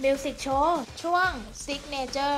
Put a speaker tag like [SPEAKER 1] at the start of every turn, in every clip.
[SPEAKER 1] มิวสิกโชว์ช่วง Signature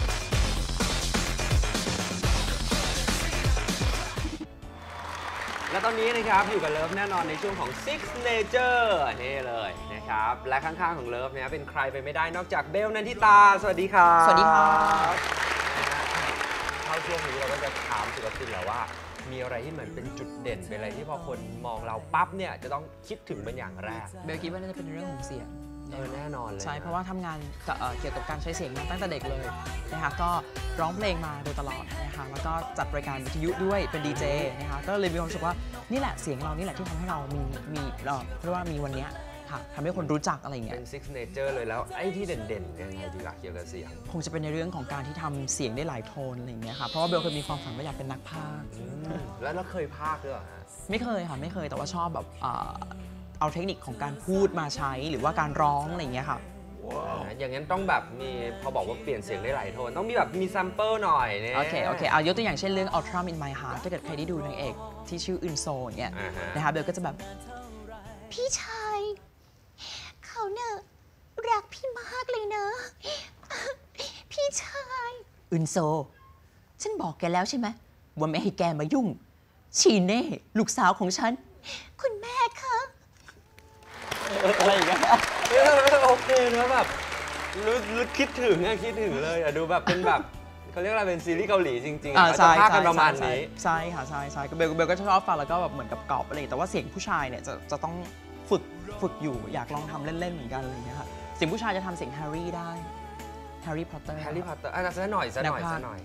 [SPEAKER 2] และตอนนี้นะครับอยู่กับเลิฟแน่นอนในช่วงของ Signature นี่เลยนะครับและข้างๆของเลิฟเนี่ยเป็นใครไปไม่ได้นอกจากเบลนันทิตาสวัสดีครับ
[SPEAKER 3] สวัสดีครับ
[SPEAKER 2] เข้าช่วงนี้เราก็จะถามศิลปินแล้วว่ามีอะไรที่เหมือนเป็นจุดเด่นเป็นอะไรที่พอคนมองเราปั๊บเนี่ยจะต้องคิดถึงเป็นอย่างแรก
[SPEAKER 3] เบลคิดว่าน่าจะเป็นเรื่องของเสียง
[SPEAKER 2] แน่นอนเลย
[SPEAKER 3] ใช่เพราะว่าทำงานเกี่ยวกับการใช้เสียงมาตั้งแต่เด็กเลยนะคะก็ร้องเพลงมาโดยตลอดนะคะแล้วก็จัดรายการวิทยุด้วยเป็นดีเจนะคะก็เลยมีความรู้สึกว่านี่แหละเสียงเรานี่แหละที่ทำให้เรามีเรียกว่ามีวันนี้ค่ะทำให้คนรู้จักอะไรอย่างเงี้
[SPEAKER 2] เป็
[SPEAKER 3] ย
[SPEAKER 2] น Signature เลยแล้วไอ้ที่เด่นๆยังไงดีกว่าเกี่ยวกับเสียง
[SPEAKER 3] คงจะเป็นในเรื่องของการที่ทำเสียงได้หลายโทนอะไรอย่างเงี้ยค่ะเพราะว่าเบลเคยมีความฝันว่าอยากเป็นนักพากย์
[SPEAKER 2] แล้วเราเคยพากย์ด้วยเหรอฮะ
[SPEAKER 3] ไม่เคยค่ะไม่เคยแต่ว่าชอบแบบเอาเทคนิคของการพูดมาใช้หรือว่าการร้องอะไรอย่างเงี้ยค่ะ
[SPEAKER 2] อย่างนั้นต้องแบบมีพอบอกว่าเปลี่ยนเสียงได้หลายโทนต้องมีแบบมีซัมเปิลหน่อยเนี่ย
[SPEAKER 3] โอเคเอายกตัวอย่างเช่นเรื่อง Ultra in My Heart ถ้าเกิดใครได้ดูนางเอกที่ชื่ออึนโซเนี่ยนะคะเบลก็จะแบบ
[SPEAKER 4] พี่ชายเขาเนี่ยรักพี่มากเลยนะพี่ชาย
[SPEAKER 3] อึนโซฉันบอกแกแล้วใช่ไหมว่าไม่ให้แกมายุ่งชีเน่ลูกสาวของฉัน
[SPEAKER 4] คุณแม่คะ
[SPEAKER 3] อะไรอย่างเงี้ย
[SPEAKER 2] โอเคนะแบบรู้คิดถึงเลยอะดูแบบเป็นแบบเขาเรียกอะไรเป็นซีรีส์เกาหลีจริงๆเขาจะพากกันประมาณนี้
[SPEAKER 3] ใช่ค่ะใช่เบลก็ชอบฟังแล้วก็แบบเหมือนกับกรอบอะไรแต่ว่าเสียงผู้ชายเนี่ยจะต้องฝึกอยู่อยากลองทำเล่นๆเหมือนกันอะไรอย่างเงี้ยค่ะเสียงผู้ชายจะทำเสียงแฮร์รี่ได้แฮร์รี่พอตเตอร์
[SPEAKER 2] ซะหน่อย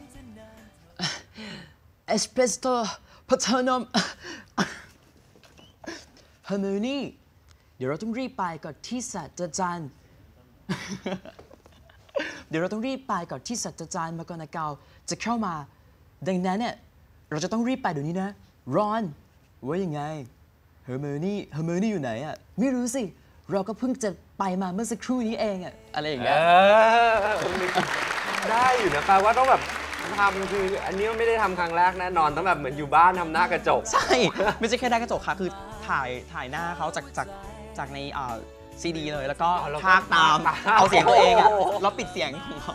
[SPEAKER 3] เอสเปรสโต้พัฒนมฮาร์โมนีเดี๋ยวเราต้องรีบไปก่อนที่ศาสตราจารย์เดี๋ยวเราต้องรีบไปก่อนที่ศาสตราจารย์มาก่อนนะเกาจะเข้ามาดังนั้นเนี่ยเราจะต้องรีบไปเดี๋ยวนี้นะรอนว่ายังไงเฮอร์โมนีอยู่ไหนอ่ะไม่รู้สิเราก็เพิ่งจะไปมาเมื่อสักครู่นี้เองอ่ะอะไรอย่างเงี้ย
[SPEAKER 2] ได้อยู่นะแปลว่าต้องแบบทำคืออันนี้ไม่ได้ทำครั้งแรกแน่นอนต้องแบบเหมือนอยู่บ้านทำหน้ากระจก
[SPEAKER 3] ใช่ไม่ใช่แค่หน้ากระจกค่ะคือถ่ายหน้าเขาจากในซีดีเลยแล้วก็พากตามเอาเสียงตัวเองอ่ะแล้วปิดเสียงของเขา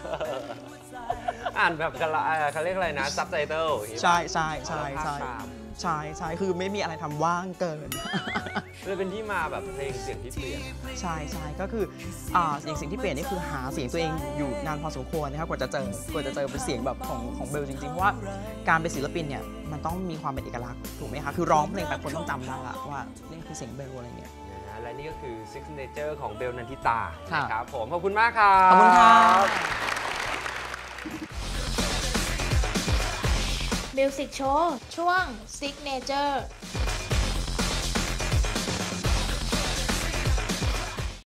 [SPEAKER 2] อ่านแบบเขาเรียกอะไรนะซับไตเติล
[SPEAKER 3] ใช่คือไม่มีอะไรทำว่างเกิน
[SPEAKER 2] เลยเป็นที่มาแบบเพลงเสียงที่เปลี่ยน
[SPEAKER 3] ใช่ก็คืออย่างเสียงที่เปลี่ยนนี่คือหาเสียงตัวเองอยู่นานพอสมควรนะครับกว่าจะเจอเป็นเสียงแบบของเบลจริงๆเพราะว่าการเป็นศิลปินเนี่ยมันต้องมีความเป็นเอกลักษณ์ถูกไหมคะคือร้องเพลงไปคนต้องจำได้ละว่านี่คือเสียงเบลอะไรเงี้ย
[SPEAKER 2] และนี่ก็คือ Signature ของเบลนันทิตานะครับผมขอบคุณมากครับ
[SPEAKER 3] ขอบคุณครับ
[SPEAKER 1] มิวสิกโชว์ช่วง Signature